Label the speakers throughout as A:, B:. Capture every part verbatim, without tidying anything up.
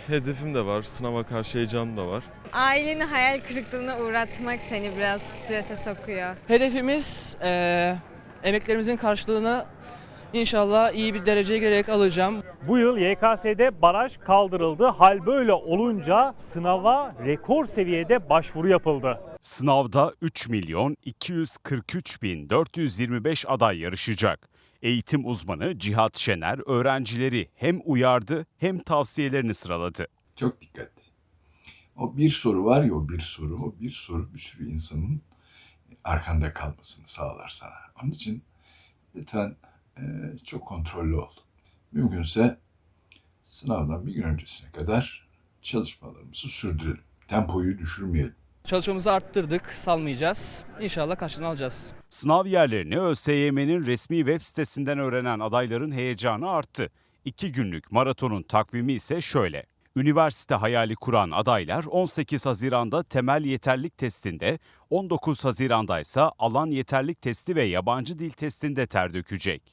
A: hedefim de var. Sınava karşı heyecanım da var.
B: Aileni hayal kırıklığına uğratmak seni biraz strese sokuyor.
C: Hedefimiz eee emeklerimizin karşılığını inşallah iyi bir dereceye gelerek alacağım.
D: Bu yıl Y K S'de baraj kaldırıldı. Hal böyle olunca sınava rekor seviyede başvuru yapıldı.
E: Sınavda üç milyon iki yüz kırk üç bin dört yüz yirmi beş aday yarışacak. Eğitim uzmanı Cihat Şener öğrencileri hem uyardı hem tavsiyelerini sıraladı.
F: Çok dikkat. O bir soru var ya, o bir soru, o bir soru bir sürü insanın arkanda kalmasını sağlar sana. Onun için lütfen e, çok kontrollü ol. Mümkünse sınavdan bir gün öncesine kadar çalışmalarımızı sürdürelim. Tempoyu düşürmeyelim.
C: Çalışmamızı arttırdık, salmayacağız. İnşallah karşılığını alacağız.
E: Sınav yerlerini ÖSYM'nin resmi web sitesinden öğrenen adayların heyecanı arttı. İki günlük maratonun takvimi ise şöyle. Üniversite hayali kuran adaylar on sekiz Haziran'da temel yeterlilik testinde, on dokuz Haziran'da ise alan yeterlilik testi ve yabancı dil testinde ter dökecek.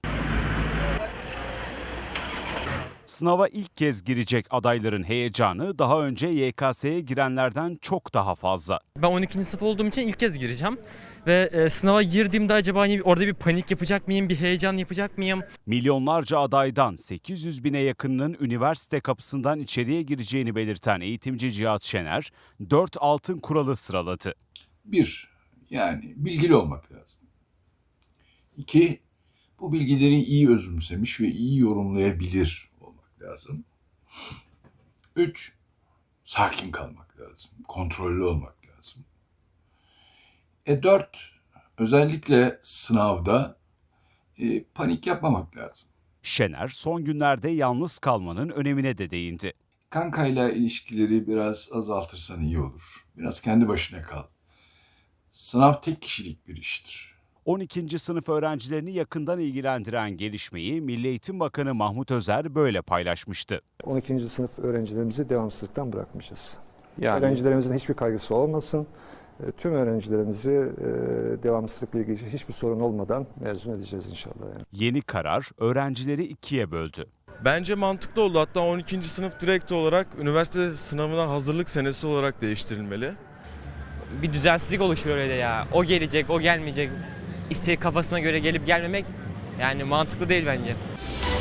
E: Sınava ilk kez girecek adayların heyecanı daha önce Y K S'ye girenlerden çok daha fazla.
G: Ben on ikinci sınıf olduğum için ilk kez gireceğim. Ve e, sınava girdiğimde acaba hani orada bir panik yapacak mıyım, bir heyecan yapacak mıyım?
E: Milyonlarca adaydan sekiz yüz bine yakınının üniversite kapısından içeriye gireceğini belirten eğitimci Cihat Şener, dört altın kuralı sıraladı.
F: Bir, yani bilgili olmak lazım. İki, bu bilgileri iyi özümsemiş ve iyi yorumlayabilir olmak lazım. Üç, sakin kalmak lazım, kontrollü olmak lazım. E dört, özellikle sınavda e, panik yapmamak lazım.
E: Şener son günlerde yalnız kalmanın önemine de değindi.
F: Kankayla ilişkileri biraz azaltırsan iyi olur. Biraz kendi başına kal. Sınav tek kişilik bir iştir.
E: on ikinci sınıf öğrencilerini yakından ilgilendiren gelişmeyi Milli Eğitim Bakanı Mahmut Özer böyle paylaşmıştı.
H: on ikinci sınıf öğrencilerimizi devamsızlıktan bırakmayacağız.
I: Yani
H: Öğrencilerimizin hiçbir kaygısı olmasın. E, Tüm öğrencilerimizi e, devamsızlıkla ilgili hiçbir sorun olmadan mezun edeceğiz inşallah. Yani.
E: Yeni karar öğrencileri ikiye böldü.
A: Bence mantıklı oldu. Hatta on ikinci sınıf direkt olarak üniversite sınavına hazırlık senesi olarak değiştirilmeli.
G: Bir düzensizlik oluşuyor öyle ya. O gelecek, o gelmeyecek. İsteği kafasına göre gelip gelmemek yani mantıklı değil bence.